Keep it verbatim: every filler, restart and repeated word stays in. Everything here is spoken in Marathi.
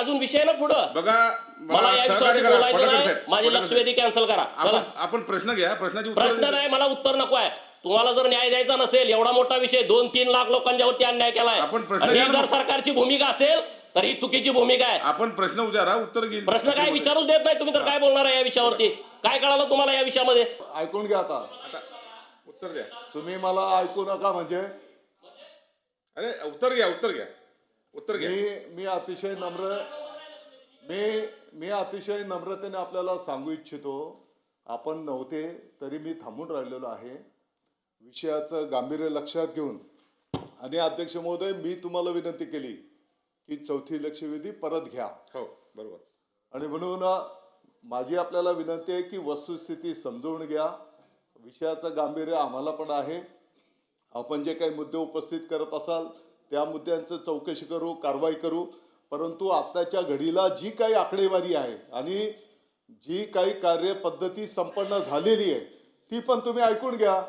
अजून विषय ना पुढं बघा मला या विषयावर बोलायचं नाही. माझी लक्षवेधी कॅन्सल करा. आपण आपण प्रश्न घ्या, प्रश्नाची उत्तर प्रश्न नाही, मला उत्तर नको आहे. तुम्हाला जर न्याय द्यायचा नसेल, एवढा मोठा विषय, दोन तीन लाख लोकांच्यावरती अन्याय केलाय, आपण प्रश्न आणि ही घ्या ना. जर सरकारची भूमिका असेल तर ही चुकीची भूमिका आहे. आपण प्रश्न विचारा, उत्तर घेईल. प्रश्न काय विचारूच देत नाही तुम्ही, तर काय बोलणार आहे या विषयावरती? काय कळालं तुम्हाला या विषयामध्ये? ऐकून घ्या आता. आता उत्तर द्या. तुम्ही मला ऐकू नका म्हणजे अरे उत्तर घ्या, उत्तर घ्या, उत्तर घ्या. मी मी अतिशय नम्र मी मी अतिशय नम्रतेने आपल्याला सांगू इच्छितो, आपण नव्हते तरी मी थांबून राहिलेलो आहे विषयाचं गांभीर्य लक्षात घेऊन. आणि अध्यक्ष महोदय, मी तुम्हाला विनंती केली की चौथी लक्षवेधी परत घ्या. हो बरोबर. आणि म्हणून माझी आपल्याला विनंती आहे की वस्तुस्थिती समजून घ्या. विषयाचं गांभीर्य आम्हाला पण आहे. आपण जे काही मुद्दे उपस्थित करत असाल त्या मुद्द्यांचं चौकशी करू, कारवाई करू. परंतु आत्ताच्या घडीला जी काही आकडेवारी आहे आणि जी काही कार्यपद्धती संपन्न झालेली आहे ती पण तुम्ही ऐकून घ्या.